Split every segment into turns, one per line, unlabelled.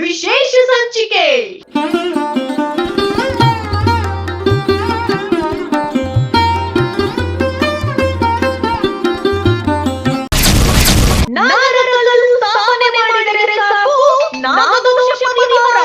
ವಿಶೇಷ ಸಂಚಿಕೆ. ನಾಗರಕಲ್ಲು ಸ್ಥಾಪನೆ ಮಾಡಿದರೆ ಸಾಕು, ನಾಗದೋಷ ಪರಿಹಾರ.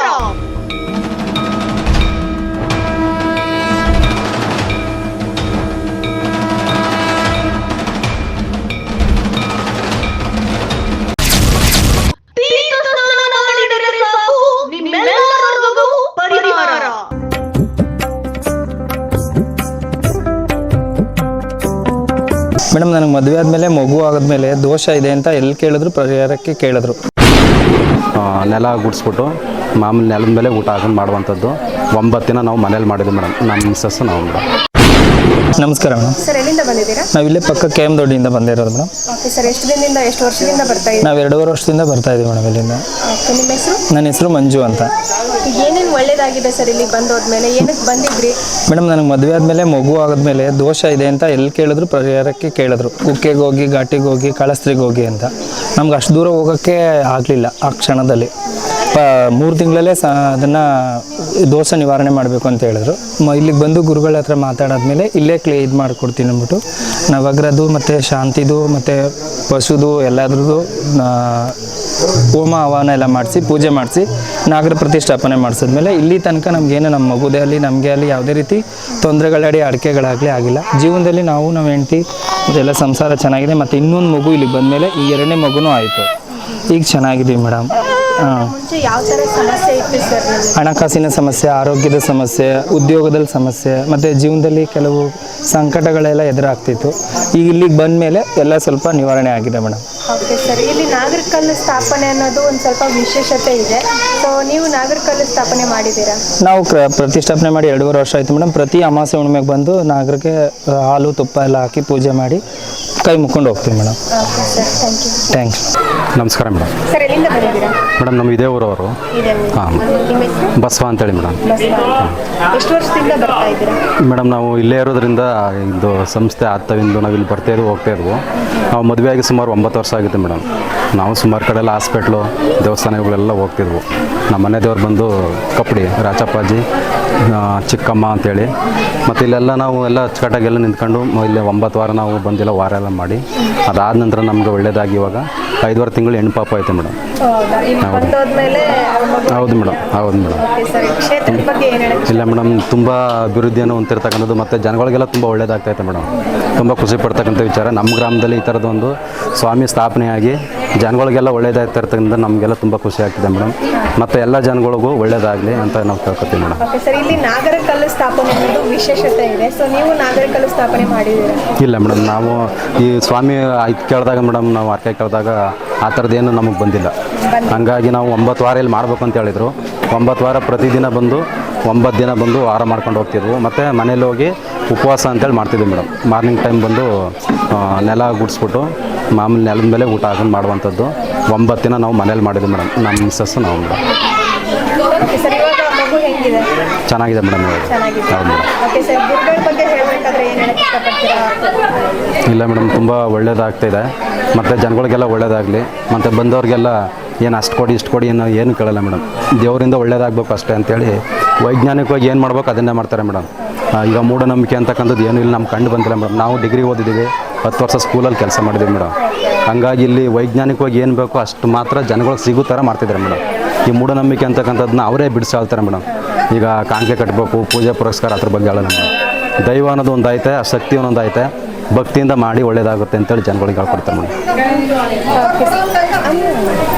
ಮೇಡಮ್, ನನಗೆ ಮದುವೆ ಆದಮೇಲೆ ಮಗು ಆದಮೇಲೆ ದೋಷ ಇದೆ ಅಂತ ಎಲ್ಲಿ ಕೇಳಿದ್ರು ಪರಿಹಾರಕ್ಕೆ ಕೇಳಿದ್ರು.
ನೆಲ ಗುಡಿಸ್ಬಿಟ್ಟು ಮಾಮೂಲಿ ನೆಲದ ಮೇಲೆ ಊಟ ಹಾಕೊಂಡು ಮಾಡುವಂಥದ್ದು 9 ದಿನ ನಾವು ಮನೇಲಿ ಮಾಡಿದ್ವಿ ಮೇಡಮ್. ನಮ್ಮ ಮಿಸ್ಸಸ್ ನಾವು ಮೇಡಮ್.
ನಮಸ್ಕಾರ ಮೇಡಮ್.
ಸರ್, ಎಲ್ಲಿಂದ ಬಂದಿದ್ದೀರಾ?
ನಾವು ಇಲ್ಲೇ ಪಕ್ಕ KM ದೊಡ್ಡಿಯಿಂದ ಬಂದಿರೋದು ಮೇಡಮ್.
ಓಕೆ ಸರ್, ಎಷ್ಟು ದಿನದಿಂದ ಎಷ್ಟು ವರ್ಷದಿಂದ ಬರ್ತಾ ಇದ್ದೀರಾ?
ನಾವು 2.5 ವರ್ಷದಿಂದ ಬರ್ತಾ ಇದ್ದೀವಿ ಮೇಡಮ್ ಇಲ್ಲಿಂದ.
ಓಕೆ, ನಿಮ್ಮ ಹೆಸರು?
ನನ್ನ ಹೆಸರು ಮಂಜು ಅಂತ.
ಏನೇನು ಒಳ್ಳೇದಾಗಿದೆ ಸರ್ ಇಲ್ಲಿ ಬಂದೋದ್ಮೇಲೆ? ಏನಕ್ಕೆ ಬಂದಿದ್ರಿ?
ಮೇಡಮ್, ನನಗೆ ಮದುವೆ ಆದಮೇಲೆ ಮಗು ಆದಮೇಲೆ ದೋಷ ಇದೆ ಅಂತ ಎಲ್ಲಿ ಕೇಳಿದ್ರು ಪರಿಹಾರಕ್ಕೆ ಕೇಳಿದ್ರು. ಕುಕ್ಕೆಗೆ ಹೋಗಿ, ಘಾಟಿಗೆ ಹೋಗಿ, ಕಾಳಸ್ತ್ರಿಗೆ ಹೋಗಿ ಅಂತ. ನಮ್ಗೆ ಅಷ್ಟು ದೂರ ಹೋಗೋಕ್ಕೆ ಆಗಲಿಲ್ಲ ಆ ಕ್ಷಣದಲ್ಲಿ. 3 ತಿಂಗಳಲ್ಲೇ ಅದನ್ನು ದೋಷ ನಿವಾರಣೆ ಮಾಡಬೇಕು ಅಂತ ಹೇಳಿದ್ರು. ಇಲ್ಲಿಗೆ ಬಂದು ಗುರುಗಳ ಹತ್ರ ಮಾತಾಡಾದ್ಮೇಲೆ ಇಲ್ಲೇ ಇದು ಮಾಡಿಕೊಡ್ತೀನಿ ಅಂದ್ಬಿಟ್ಟು ನವಗ್ರಹದ್ದು ಮತ್ತು ಶಾಂತಿದು ಮತ್ತು ಪಶುದು ಎಲ್ಲದ್ರದ್ದು ಹೋಮ ಹವನ ಎಲ್ಲ ಮಾಡಿಸಿ ಪೂಜೆ ಮಾಡಿಸಿ ನಾಗರ ಪ್ರತಿಷ್ಠಾಪನೆ ಮಾಡಿಸಿದ್ಮೇಲೆ ಇಲ್ಲಿ ತನಕ ನಮಗೇನು ನಮ್ಮ ಮಗುದೇ ಆಗಲಿ ನಮಗೆ ಆಗಲಿ ಯಾವುದೇ ರೀತಿ ತೊಂದರೆಗಳಾಡಿ ಅಡಿಕೆಗಳಾಗಲಿ ಆಗಿಲ್ಲ. ಜೀವನದಲ್ಲಿ ನಮ್ಮ ಹೆಂಡತಿ ಇದೆಲ್ಲ ಸಂಸಾರ ಚೆನ್ನಾಗಿದೆ. ಮತ್ತು ಇನ್ನೊಂದು ಮಗು ಇಲ್ಲಿಗೆ ಬಂದಮೇಲೆ ಈ 2ನೇ ಮಗುನೂ ಆಯಿತು. ಈಗ ಚೆನ್ನಾಗಿದ್ದೀವಿ ಮೇಡಮ್.
ಮುಂಚೆ ಯಾವ ಥರ ಸಮಸ್ಯೆ ಇತ್ತು ಸರ್?
ಹಣಕಾಸಿನ ಸಮಸ್ಯೆ, ಆರೋಗ್ಯದ ಸಮಸ್ಯೆ, ಉದ್ಯೋಗದಲ್ಲಿ ಸಮಸ್ಯೆ ಮತ್ತು ಜೀವನದಲ್ಲಿ ಕೆಲವು ಸಂಕಟಗಳೆಲ್ಲ ಎದುರಾಗ್ತಿತ್ತು. ಈಗ ಇಲ್ಲಿಗೆ ಬಂದ ಮೇಲೆ ಎಲ್ಲ ಸ್ವಲ್ಪ ನಿವಾರಣೆ ಆಗಿದೆ ಮೇಡಮ್.
ಓಕೆ ಸರ್, ಇಲ್ಲಿ ನಾಗರಕಲ್ಲು ಸ್ಥಾಪನೆ ಅನ್ನೋದು ಒಂದು ಸ್ವಲ್ಪ ವಿಶೇಷತೆ ಇದೆ. ಸೊ ನೀವು ನಾಗರಕಲ್ಲು ಸ್ಥಾಪನೆ ಮಾಡಿದ್ದೀರಾ?
ನಾವು ಪ್ರತಿಷ್ಠಾಪನೆ ಮಾಡಿ 2.5 ವರ್ಷ ಆಯಿತು ಮೇಡಮ್. ಪ್ರತಿ ಅಮಾವಾಸ್ಯೆ ಹುಣ್ಣಿಮೆಗೆ ಬಂದು ನಾಗರಿಗೆ ಹಾಲು ತುಪ್ಪ ಎಲ್ಲ ಹಾಕಿ ಪೂಜೆ ಮಾಡಿ ಕೈ ಮುಕ್ಕೊಂಡು ಹೋಗ್ತೀವಿ ಮೇಡಮ್.
Okay sir,
thanks.
ನಮಸ್ಕಾರ ಮೇಡಮ್.
ಸರ್, ಎಲ್ಲಿಂದ ಬಂದಿದ್ದೀರಾ?
ಮೇಡಮ್, ನಮ್ಮ ಇದೇ ಊರವರು. ಹಾಂ,
ನಿಮ್ಮ ಹೆಸರು?
ಬಸವ ಅಂತೇಳಿ ಮೇಡಮ್.
ಎಷ್ಟು ವರ್ಷದಿಂದ ಬರ್ತಾ ಇದ್ದೀರಾ?
ಮೇಡಮ್, ನಾವು ಇಲ್ಲೇ ಇರೋದ್ರಿಂದ ಇದು ಸಂಸ್ಥೆ ಆಗ್ತಾವಿಂದು ನಾವು ಇಲ್ಲಿ ಬರ್ತಾಯಿದ್ವು ಹೋಗ್ತಾಯಿದ್ವು. ನಾವು ಮದುವೆಯಾಗಿ ಸುಮಾರು 9 ವರ್ಷ ಆಗಿದೆ ಮೇಡಮ್. ನಾವು ಸುಮಾರು ಕಡೆ ಎಲ್ಲ ಹಾಸ್ಪಿಟ್ಲು ದೇವಸ್ಥಾನಗಳೆಲ್ಲ ಹೋಗ್ತಿದ್ವು. ನಮ್ಮ ಮನೆ ದೇವ್ರು ಬಂದು ಕಪ್ಪಡಿ ರಾಚಪ್ಪಾಜಿ ಚಿಕ್ಕಮ್ಮ ಅಂತೇಳಿ. ಮತ್ತು ಇಲ್ಲೆಲ್ಲ ನಾವು ಎಲ್ಲ ಅಚ್ಚುಕಟ್ಟಾಗೆಲ್ಲ ನಿಂತ್ಕೊಂಡು ಇಲ್ಲಿ 9 ವಾರ ನಾವು ಬಂದಿಲ್ಲ, ವಾರ ಎಲ್ಲ ಮಾಡಿ ಅದಾದ ನಂತರ ನಮ್ಗೆ ಒಳ್ಳೇದಾಗಿ ಇವಾಗ 5.5 ತಿಂಗಳು ಹೆಣ್ಣು ಪಾಪ ಐತೆ ಮೇಡಮ್. ಹೌದು ಮೇಡಮ್. ಹೌದು ಮೇಡಮ್. ಇಲ್ಲ ಮೇಡಮ್, ತುಂಬ ಅಭಿವೃದ್ಧಿಯನ್ನು ಹೊಂದಿರತಕ್ಕಂಥದ್ದು ಮತ್ತು ಜನಗಳಿಗೆಲ್ಲ ತುಂಬ ಒಳ್ಳೇದಾಗ್ತೈತೆ ಮೇಡಮ್. ತುಂಬ ಖುಷಿ ಪಡ್ತಕ್ಕಂಥ ವಿಚಾರ. ನಮ್ಮ ಗ್ರಾಮದಲ್ಲಿ ಈ ಥರದೊಂದು ಸ್ವಾಮಿ ಸ್ಥಾಪನೆಯಾಗಿ ಜನಗಳಿಗೆಲ್ಲ ಒಳ್ಳೇದಾಗ್ತಿರ್ತಕ್ಕಂಥ ನಮಗೆಲ್ಲ ತುಂಬ ಖುಷಿ ಆಗ್ತಿದೆ ಮೇಡಮ್. ಮತ್ತು ಎಲ್ಲ ಜನಗಳಿಗೂ ಒಳ್ಳೇದಾಗಲಿ ಅಂತ ನಾವು ಕೇಳ್ಕೊತೀವಿ ಮೇಡಮ್.
ಸರ್, ಇಲ್ಲಿ ನಾಗರಕಲ್ಲು ಸ್ಥಾಪನೆ ಅನ್ನೋದು ವಿಶೇಷತೆ ಇದೆ. ಸೊ ನೀವು ನಾಗರಕಲ್ಲು ಸ್ಥಾಪನೆ ಮಾಡಿದ್ದೀರಾ?
ಇಲ್ಲ ಮೇಡಮ್, ನಾವು ಈ ಸ್ವಾಮಿ ಇದು ಕೇಳಿದಾಗ ಮೇಡಮ್, ನಾವು ಅರ್ಕೆ ಕೇಳಿದಾಗ ಆ ಥರದ್ದೇನು ನಮಗೆ ಬಂದಿಲ್ಲ. ಹಾಗಾಗಿ ನಾವು 9 ವಾರ ಇಲ್ಲಿ ಮಾಡಬೇಕು ಅಂತ ಹೇಳಿದರು. 9 ವಾರ ಪ್ರತಿದಿನ ಬಂದು 9 ದಿನ ಬಂದು ವಾರ ಮಾಡ್ಕೊಂಡು ಹೋಗ್ತಿದ್ವು. ಮತ್ತು ಮನೇಲಿ ಹೋಗಿ ಉಪವಾಸ ಅಂತೇಳಿ ಮಾಡ್ತಿದ್ವಿ ಮೇಡಮ್. ಮಾರ್ನಿಂಗ್ ಟೈಮ್ ಬಂದು ನೆಲ ಗುಡಿಸ್ಬಿಟ್ಟು ಮಾಮೂಲಿ ನೆಲದ ಮೇಲೆ ಊಟ ಹಾಕೊಂಡು ಮಾಡುವಂಥದ್ದು 9 ದಿನ ನಾವು ಮನೇಲಿ ಮಾಡಿದ್ವಿ ಮೇಡಮ್. ನಮ್ಮ ಮಿಸ್ಸಸ್ ನಾವು ಮೇಡಮ್. ಚೆನ್ನಾಗಿದೆ ಮೇಡಮ್. ಹೌದು ಮೇಡಮ್. ಇಲ್ಲ ಮೇಡಮ್, ತುಂಬ ಒಳ್ಳೇದಾಗ್ತಾಯಿದೆ. ಮತ್ತು ಜನಗಳಿಗೆಲ್ಲ ಒಳ್ಳೇದಾಗಲಿ. ಮತ್ತು ಬಂದವ್ರಿಗೆಲ್ಲ ಏನು ಅಷ್ಟು ಕೊಡಿ ಇಷ್ಟು ಕೊಡಿ ಏನು ಕೇಳಲ್ಲ ಮೇಡಮ್. ದೇವರಿಂದ ಒಳ್ಳೇದಾಗಬೇಕು ಅಷ್ಟೇ ಅಂಥೇಳಿ ವೈಜ್ಞಾನಿಕವಾಗಿ ಏನು ಮಾಡ್ಬೇಕು ಅದನ್ನೇ ಮಾಡ್ತಾರೆ ಮೇಡಮ್. ಈಗ ಮೂಢನಂಬಿಕೆ ಅಂತಕ್ಕಂಥದ್ದು ಏನೂ ಇಲ್ಲ, ನಮ್ಮ ಕಂಡು ಬಂದಿಲ್ಲ ಮೇಡಮ್. ನಾವು ಡಿಗ್ರಿ ಓದಿದ್ದೀವಿ, 10 ವರ್ಷ ಸ್ಕೂಲಲ್ಲಿ ಕೆಲಸ ಮಾಡಿದ್ದೀವಿ ಮೇಡಮ್. ಹಂಗಾಗಿ ಇಲ್ಲಿ ವೈಜ್ಞಾನಿಕವಾಗಿ ಏನು ಬೇಕೋ ಅಷ್ಟು ಮಾತ್ರ ಜನಗಳಿಗೆ ಸಿಗೋ ಥರ ಮಾಡ್ತಿದ್ದಾರೆ ಮೇಡಮ್. ಈ ಮೂಢನಂಬಿಕೆ ಅಂತಕ್ಕಂಥದ್ದನ್ನ ಅವರೇ ಬಿಡಿಸಿ ಹೇಳ್ತಾರೆ ಮೇಡಮ್. ಈಗ ಕಾಣಿಕೆ ಕಟ್ಟಬೇಕು, ಪೂಜೆ ಪುರಸ್ಕಾರ ಅದ್ರ ಬಗ್ಗೆ ಹೇಳೋಣ ಮೇಡಮ್. ದೈವ ಅನ್ನೋದು ಒಂದು ಐತೆ, ಆ ಶಕ್ತಿ ಅನ್ನೋದು ಐತೆ. ಭಕ್ತಿಯಿಂದ ಮಾಡಿ ಒಳ್ಳೇದಾಗುತ್ತೆ ಅಂತೇಳಿ ಜನಗಳಿಗೆ ಹೇಳ್ಕೊಡ್ತಾರೆ ಮೇಡಮ್.